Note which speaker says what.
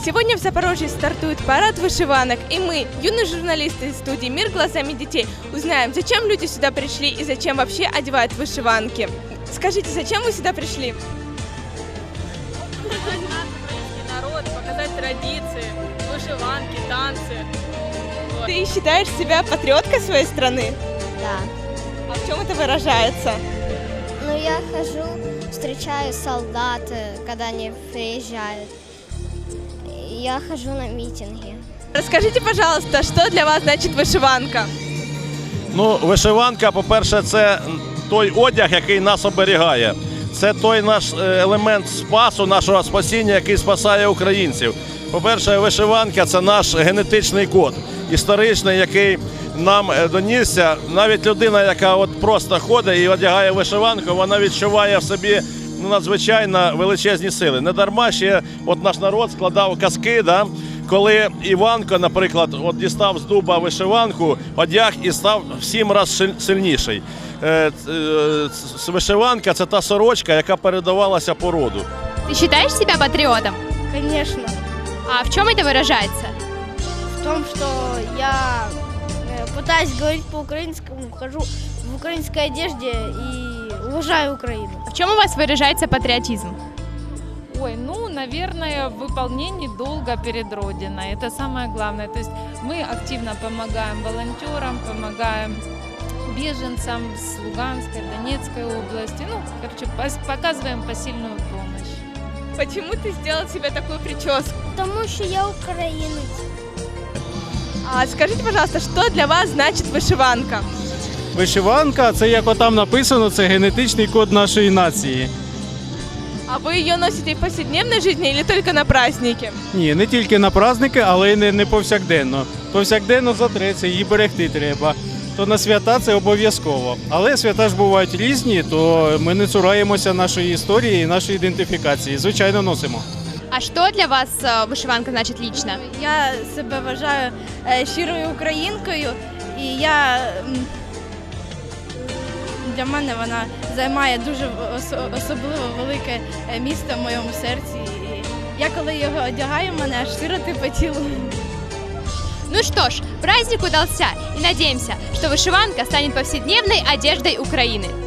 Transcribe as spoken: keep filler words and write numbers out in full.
Speaker 1: Сегодня в Запорожье стартует парад вышиванок, и мы, юные журналисты из студии «Мир глазами детей», узнаем, зачем люди сюда пришли и зачем вообще одевают вышиванки. Скажите, зачем вы сюда пришли?
Speaker 2: Показать наш украинский народ, показать традиции, вышиванки, танцы. Вот.
Speaker 1: Ты считаешь себя патриоткой своей страны?
Speaker 3: Да.
Speaker 1: А в чем это выражается?
Speaker 3: Ну, я хожу, встречаю солдат, когда они приезжают. Я хожу на митинги.
Speaker 1: Расскажите, пожалуйста, что для вас значит вышиванка?
Speaker 4: Ну, вишиванка, по-перше, це той одяг, який нас оберігає. Це той наш елемент спасу, нашого спасіння, який спасає українців. По-перше, вишиванка – це наш генетичний код, історичний, який нам донісся. Навіть людина, яка от просто ходить і одягає вишиванку, вона відчуває в собі ну, надзвичайно величезні сили. Недарма ще от наш народ складав казки, да? Коли Іванко, наприклад, от дістав з дуба вишиванку, одяг і став в сім разів сильніший. Вишиванка – це та сорочка, яка передавалася по роду.
Speaker 5: Ты считаешь себя патриотом?
Speaker 3: Конечно.
Speaker 5: А в чем это выражается?
Speaker 3: В том, что я пытаюсь говорить по-украинскому, хожу в украинской одежде и уважаю Украину.
Speaker 5: В чем у вас выражается патриотизм?
Speaker 6: Ой, ну, наверное, в выполнении долга перед Родиной. Это самое главное. То есть мы активно помогаем волонтерам, помогаем беженцам с Луганской, Донецкой области. Ну, короче, показываем посильную помощь.
Speaker 1: Почему ты сделал себе такую прическу?
Speaker 3: Потому что я украинец.
Speaker 1: А скажите, пожалуйста, что для вас значит вышиванка?
Speaker 7: Вишиванка – це, як отам написано, це генетичний код нашої нації.
Speaker 1: А вы ее носите в повседневной жизни или только на праздники?
Speaker 7: Ні, не тільки на праздники, але й не, не повсякденно. Повсякденно затреться, її берегти треба. То на свята це обов'язково. Але свята ж бувають різні, то ми не цураємося нашої історії і нашої ідентифікації. Звичайно, носимо.
Speaker 5: А что для вас э, вышиванка значит лично?
Speaker 3: Я себе вважаю е, щирою українкою, і я м, для мене вона займає дуже осо- особливо велике е, місце в моєму серці. І я коли його одягаю, мене аж сироти по тілу.
Speaker 5: Ну что ж, праздник удался, и надеемся, что вышиванка станет повседневной одеждой Украины.